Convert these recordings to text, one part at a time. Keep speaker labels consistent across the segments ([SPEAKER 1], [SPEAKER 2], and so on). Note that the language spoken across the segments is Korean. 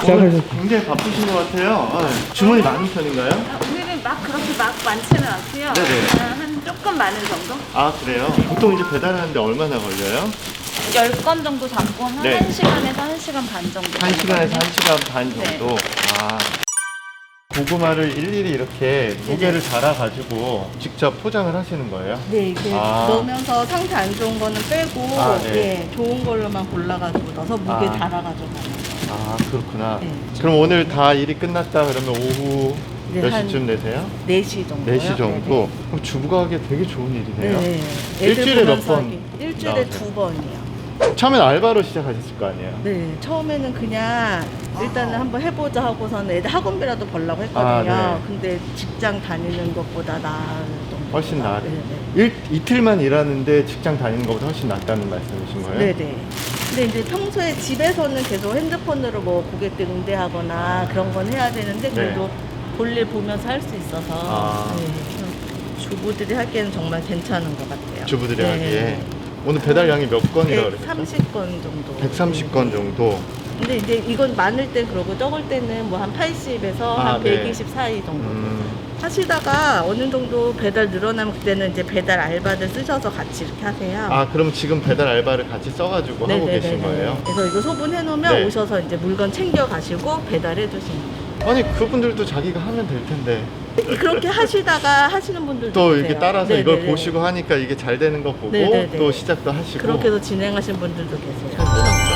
[SPEAKER 1] 오늘
[SPEAKER 2] 시작하셨
[SPEAKER 1] 굉장히 바쁘신 것 같아요. 주문이 많은 편인가요?
[SPEAKER 3] 오늘은 막 그렇게 막 많지는 않고요.
[SPEAKER 1] 네네.
[SPEAKER 3] 한 조금 많은 정도?
[SPEAKER 1] 아, 그래요? 보통 이제 배달하는데 얼마나 걸려요?
[SPEAKER 3] 10건 정도 잡고 한
[SPEAKER 1] 네.
[SPEAKER 3] 1시간에서 1시간 반 정도.
[SPEAKER 1] 1시간에서 1시간 반
[SPEAKER 3] 네.
[SPEAKER 1] 정도. 아. 고구마를 일일이 이렇게 무게를 달아가지고 직접 포장을 하시는 거예요?
[SPEAKER 4] 네, 이렇게
[SPEAKER 1] 아.
[SPEAKER 4] 넣으면서 상태 안 좋은 거는 빼고,
[SPEAKER 1] 아, 네.
[SPEAKER 4] 예, 좋은 걸로만 골라가지고 넣어서 무게
[SPEAKER 1] 아.
[SPEAKER 4] 달아가지고 가는 거예요.
[SPEAKER 1] 아, 그렇구나.
[SPEAKER 4] 네.
[SPEAKER 1] 그럼 오늘 다 일이 끝났다 그러면 오후
[SPEAKER 4] 네,
[SPEAKER 1] 몇
[SPEAKER 4] 한
[SPEAKER 1] 시쯤 되세요?
[SPEAKER 4] 4시 정도요.
[SPEAKER 1] 4시 정도? 그럼 주부가 하기 되게 좋은 일이네요.
[SPEAKER 4] 네.
[SPEAKER 1] 일주일에 몇 번?
[SPEAKER 4] 일주일에
[SPEAKER 1] 나오세요?
[SPEAKER 4] 2번이요.
[SPEAKER 1] 처음엔 알바로 시작하셨을 거 아니에요?
[SPEAKER 4] 네, 처음에는 그냥 일단은 한번 해보자 하고서는 애들 학원비라도 벌려고 했거든요.
[SPEAKER 1] 아, 네.
[SPEAKER 4] 근데 직장 다니는 것보다 나을 정도.
[SPEAKER 1] 훨씬 나아.
[SPEAKER 4] 네, 네.
[SPEAKER 1] 이틀만 일하는데 직장 다니는 것보다 훨씬 낫다는 말씀이신 거예요?
[SPEAKER 4] 네네. 근데 이제 평소에 집에서는 계속 핸드폰으로 뭐 고객들 응대하거나 그런 건 해야 되는데 그래도 볼일 보면서 할 수 있어서
[SPEAKER 1] 아.
[SPEAKER 4] 네, 좀 주부들이 하기에는 정말 괜찮은 것 같아요.
[SPEAKER 1] 주부들이
[SPEAKER 4] 네.
[SPEAKER 1] 하기에. 오늘 배달량이 몇 건이라고 그랬어요?
[SPEAKER 4] 130건 정도.
[SPEAKER 1] 130건 정도.
[SPEAKER 4] 근데 이제 이건 많을 땐 그러고 적을 때는 뭐 한 80에서
[SPEAKER 1] 아,
[SPEAKER 4] 한
[SPEAKER 1] 네.
[SPEAKER 4] 120 사이 정도.
[SPEAKER 1] 음,
[SPEAKER 4] 하시다가 어느 정도 배달 늘어나면 그때는 이제 배달 알바들 쓰셔서 같이 이렇게 하세요.
[SPEAKER 1] 아, 그럼 지금 배달 알바를 같이 써가지고 하고
[SPEAKER 4] 네네네네.
[SPEAKER 1] 계신 거예요?
[SPEAKER 4] 그래서 이거 소분해 놓으면
[SPEAKER 1] 네.
[SPEAKER 4] 오셔서 이제 물건 챙겨 가시고 배달해 주시는 거예요.
[SPEAKER 1] 아니, 그분들도 자기가 하면 될 텐데.
[SPEAKER 4] 그렇게 하시다가 하시는 분들도
[SPEAKER 1] 또
[SPEAKER 4] 계세요.
[SPEAKER 1] 이렇게 따라서
[SPEAKER 4] 네네네.
[SPEAKER 1] 이걸 보시고 하니까 이게 잘 되는 거 보고
[SPEAKER 4] 네네네.
[SPEAKER 1] 또 시작도 하시고.
[SPEAKER 4] 그렇게 해서 진행하시는 분들도 계세요.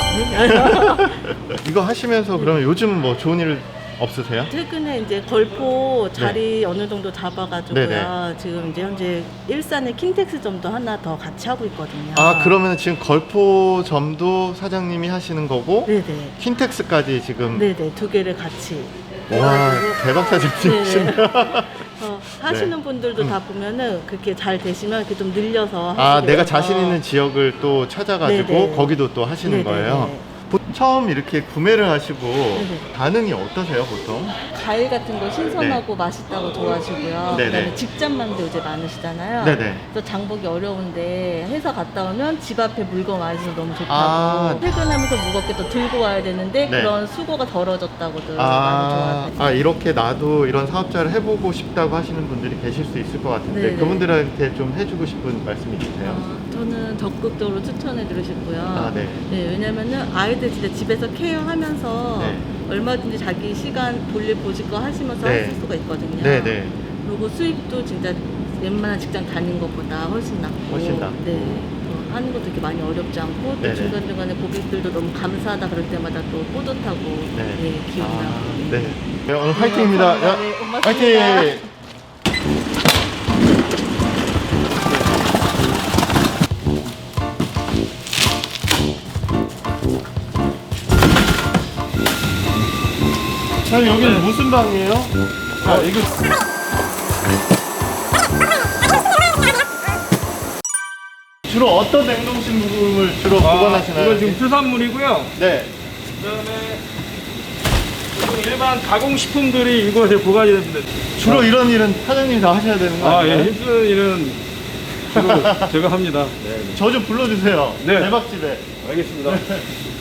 [SPEAKER 1] 이거 하시면서 그러면 요즘은 뭐 좋은 일 없으세요?
[SPEAKER 4] 최근에 이제 걸포 자리 어느 정도 잡아가지고요.
[SPEAKER 1] 네네.
[SPEAKER 4] 지금 이제 현재 일산에 킨텍스점도 하나 더 같이 하고 있거든요.
[SPEAKER 1] 아, 그러면 지금 걸포점도 사장님이 하시는 거고
[SPEAKER 4] 네네.
[SPEAKER 1] 킨텍스까지 지금.
[SPEAKER 4] 네네. 두 개를 같이.
[SPEAKER 1] 와,
[SPEAKER 4] 해가지고
[SPEAKER 1] 대박 사장님이시네요.
[SPEAKER 4] 하시는 분들도 다 보면은 그렇게 잘 되시면 이렇게 좀 늘려서
[SPEAKER 1] 아,
[SPEAKER 4] 하시게
[SPEAKER 1] 내가
[SPEAKER 4] 돼서.
[SPEAKER 1] 자신 있는 지역을 또 찾아가지고
[SPEAKER 4] 네네.
[SPEAKER 1] 거기도 또 하시는
[SPEAKER 4] 네네네.
[SPEAKER 1] 거예요. 처음 이렇게 구매를 하시고
[SPEAKER 4] 네네.
[SPEAKER 1] 반응이 어떠세요, 보통?
[SPEAKER 4] 과일 같은 거 신선하고 맛있다고 좋아하시고요.
[SPEAKER 1] 네네.
[SPEAKER 4] 그다음에 직장맘도 요새 많으시잖아요.
[SPEAKER 1] 네네.
[SPEAKER 4] 그래서 장보기 어려운데 회사 갔다 오면 집 앞에 물건 와있어서 너무 좋다고.
[SPEAKER 1] 아.
[SPEAKER 4] 퇴근하면서 무겁게 또 들고 와야 되는데
[SPEAKER 1] 네.
[SPEAKER 4] 그런 수고가 덜어졌다고들 많이
[SPEAKER 1] 아,
[SPEAKER 4] 좋아하세요.
[SPEAKER 1] 이렇게 나도 이런 사업자를 해보고 싶다고 하시는 분들이 계실 수 있을 것 같은데
[SPEAKER 4] 네네.
[SPEAKER 1] 그분들한테 좀 해주고 싶은 말씀이 있으세요?
[SPEAKER 4] 저는 적극적으로 추천해드리고 싶고요.
[SPEAKER 1] 아, 네.
[SPEAKER 4] 왜냐면은 아이들 진짜 집에서 케어하면서
[SPEAKER 1] 네.
[SPEAKER 4] 얼마든지 자기 시간 볼일 보실 거 하시면서
[SPEAKER 1] 네.
[SPEAKER 4] 하실 수가 있거든요.
[SPEAKER 1] 네네.
[SPEAKER 4] 그리고 수입도 진짜 웬만한 직장 다닌 것보다 훨씬 낫고.
[SPEAKER 1] 훨씬 낫고.
[SPEAKER 4] 네. 하는 것도 이렇게 많이 어렵지 않고 또
[SPEAKER 1] 네네.
[SPEAKER 4] 중간중간에 고객들도 너무 감사하다 그럴 때마다 또 뿌듯하고 네, 기분 나고.
[SPEAKER 1] 네. 네, 오늘 화이팅입니다.
[SPEAKER 4] 감사합니다. 네, 고맙습니다.
[SPEAKER 1] 화이팅! 자, 여기는 무슨 방이에요? 자, 이거. 주로 어떤 냉동식품을 주로 보관하시나요?
[SPEAKER 2] 이건 지금 수산물이고요.
[SPEAKER 1] 네.
[SPEAKER 2] 그다음에 일반 가공식품들이 이곳에 보관이 됩니다.
[SPEAKER 1] 주로 이런 일은 사장님이 다 하셔야 되는 거
[SPEAKER 2] 아,
[SPEAKER 1] 아니에요?
[SPEAKER 2] 예, 힘쓰는 일은 주로 제가 합니다. 네,
[SPEAKER 1] 저 좀 불러주세요.
[SPEAKER 2] 네.
[SPEAKER 1] 대박집에.
[SPEAKER 2] 알겠습니다.